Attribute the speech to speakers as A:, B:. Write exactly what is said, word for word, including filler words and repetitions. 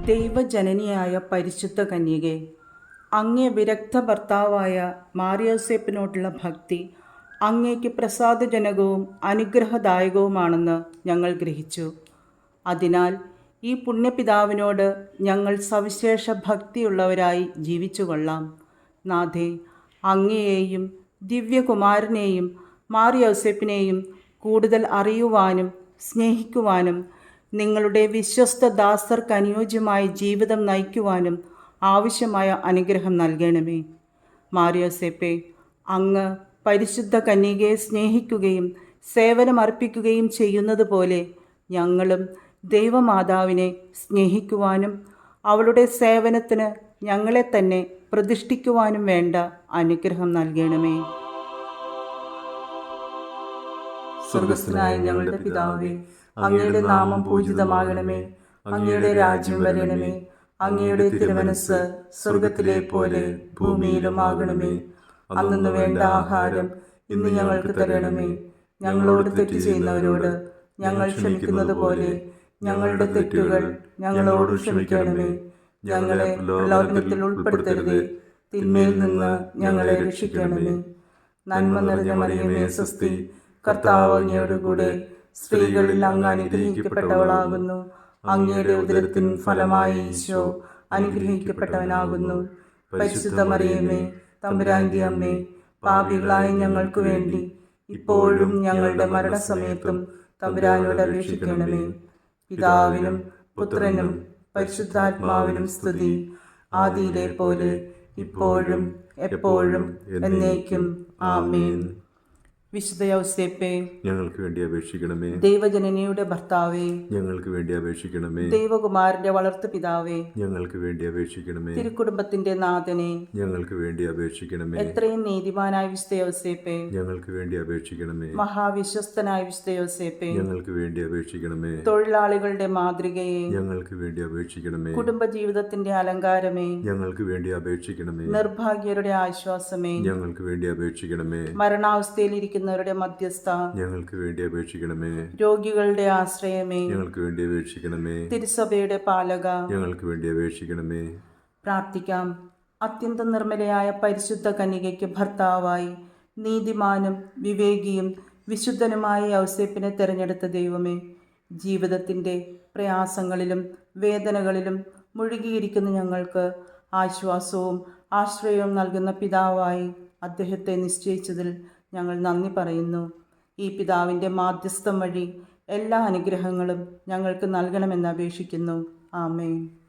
A: ദൈവജനനിയായ പരിശുദ്ധ കന്യകെ, അങ്ങേ വിരക്ത ഭർത്താവായ മാർയോസേപ്പിനോടുള്ള ഭക്തി അങ്ങേക്ക് പ്രസാദജനകവും അനുഗ്രഹദായകവുമാണെന്ന് ഞങ്ങൾ ഗ്രഹിച്ചു. അതിനാൽ ഈ പുണ്യപിതാവിനോട് ഞങ്ങൾ സവിശേഷ ഭക്തിയുള്ളവരായി ജീവിച്ചു കൊള്ളാം. നാഥേ, അങ്ങയെയും ദിവ്യകുമാരനെയും മാർയോസേപ്പിനെയും കൂടുതൽ അറിയുവാനും സ്നേഹിക്കുവാനും നിങ്ങളുടെ വിശ്വസ്ത ദാസർക്ക് അനുയോജ്യമായ ജീവിതം നയിക്കുവാനും ആവശ്യമായ അനുഗ്രഹം നൽകണമേ. മാർയോസേപ്പെ, അങ്ങ് പരിശുദ്ധ കന്യകയെ സ്നേഹിക്കുകയും സേവനമർപ്പിക്കുകയും ചെയ്യുന്നത് പോലെ ഞങ്ങളും ദൈവമാതാവിനെ സ്നേഹിക്കുവാനും അവളുടെ സേവനത്തിന് ഞങ്ങളെ തന്നെ പ്രതിഷ്ഠിക്കുവാനും വേണ്ട അനുഗ്രഹം നൽകണമേ.
B: സ്വർഗസ്ഥനായ ഞങ്ങളുടെ പിതാവേ, അങ്ങയുടെ നാമം പൂജിതമാകണമേ. അങ്ങയുടെ രാജ്യം വരണമേ. അങ്ങയുടെ തിരുമനസ് സ്വർഗത്തിലെ പോലെ ഭൂമിയിലും ആകണമേ. അന്നു വേണ്ട ആഹാരം ഇന്ന് ഞങ്ങൾക്ക് തരണമേ. ഞങ്ങളോട് തെറ്റ് ചെയ്യുന്നവരോട് ഞങ്ങൾ ക്ഷമിക്കുന്നത് പോലെ ഞങ്ങളുടെ തെറ്റുകൾ ഞങ്ങളോട് ക്ഷമിക്കണമേ. ഞങ്ങളെ പ്രലോഭനത്തിൽ ഉൾപ്പെടുത്തരുതേ, തിന്മയിൽ നിന്ന് ഞങ്ങളെ രക്ഷിക്കണമേ. നന്മ നിറഞ്ഞ മറിയമേ, സ്വസ്തി, കർത്താവ് അങ്ങയോടുകൂടെ സ്ത്രീകളിൽ അങ്ങ് അനുഗ്രഹിക്കപ്പെട്ടവളാകുന്നു. അങ്ങയുടെ ഉദരത്തിൻ ഫലമായി ഈശോ അനുഗ്രഹിക്കപ്പെട്ടവനാകുന്നു. പരിശുദ്ധ മറിയമേ, തമ്പുരാന്റെ അമ്മേ, പാപികളായ ഞങ്ങൾക്ക് വേണ്ടി ഇപ്പോഴും ഞങ്ങളുടെ മരണസമയത്തും തമ്പുരാനോട് അപേക്ഷിക്കണമേ. പിതാവിനും പുത്രനും പരിശുദ്ധാത്മാവിനും സ്തുതി, ആദിയിലെ പോലെ ഇപ്പോഴും എപ്പോഴും എന്നേക്കും. ആമേൻ.
A: വിശുദ്ധ യൗസേപ്പേ,
B: ഞങ്ങൾക്ക് വേണ്ടി അപേക്ഷിക്കണമേ.
A: ദൈവജനനിയുടെ ഭർത്താവേ,
B: ഞങ്ങൾക്ക് വേണ്ടി അപേക്ഷിക്കണമേ.
A: ദൈവകുമാരന്റെ വളർത്തു പിതാവേ,
B: ഞങ്ങൾക്ക് വേണ്ടി അപേക്ഷിക്കണമേ.
A: തിരുക്കുടുംബത്തിന്റെ നാഥനെ,
B: ഞങ്ങൾക്ക് വേണ്ടി അപേക്ഷിക്കണമേ.
A: എത്രയും നീതിമാനായ വിശുദ്ധ യൗസേപ്പേ,
B: ഞങ്ങൾക്ക് വേണ്ടി അപേക്ഷിക്കണമേ.
A: മഹാവിശ്വസ്തനായ വിശുദ്ധ യൗസേപ്പേ,
B: ഞങ്ങൾക്ക് വേണ്ടി അപേക്ഷിക്കണമേ.
A: തൊഴിലാളികളുടെ മാതൃകയെ,
B: ഞങ്ങൾക്ക് വേണ്ടി അപേക്ഷിക്കണമേ.
A: കുടുംബജീവിതത്തിന്റെ അലങ്കാരമേ,
B: ഞങ്ങൾക്ക് വേണ്ടി അപേക്ഷിക്കണമേ.
A: നിർഭാഗ്യരുടെ ആശ്വാസമേ,
B: ഞങ്ങൾക്ക് വേണ്ടി അപേക്ഷിക്കണമേ.
A: മരണാവസ്ഥയിലിരിക്കുന്ന മധ്യസ്ഥ,
B: ഞങ്ങൾക്ക് വേണ്ടി അപേക്ഷിക്കണമേ.
A: രോഗികളുടെ ആശ്രയമേ,
B: ഞങ്ങൾക്ക് വേണ്ടി അപേക്ഷിക്കണമേ.
A: തിരുസഭയുടെ പാലക,
B: ഞങ്ങൾക്ക് വേണ്ടി അപേക്ഷിക്കണമേ.
A: പ്രാർത്ഥിക്കാം. അത്യന്തം നിർമ്മലയായ പരിശുദ്ധ കന്യകയ്ക്ക് ഭർത്താവായി നീതിമാനും വിവേകിയും വിശുദ്ധനുമായ യൗസേപ്പിനെ തിരഞ്ഞെടുത്ത ദൈവമേ, ജീവിതത്തിൻ്റെ പ്രയാസങ്ങളിലും വേദനകളിലും മുഴുകിയിരിക്കുന്ന ഞങ്ങൾക്ക് ആശ്വാസവും ആശ്രയവും നൽകുന്ന പിതാവായി അദ്ദേഹത്തെ നിശ്ചയിച്ചതിൽ ഞങ്ങൾ നന്ദി പറയുന്നു. ഈ പിതാവിൻ്റെ മാധ്യസ്ഥം വഴി എല്ലാ അനുഗ്രഹങ്ങളും ഞങ്ങൾക്ക് നൽകണമെന്ന് അപേക്ഷിക്കുന്നു. ആമേൻ.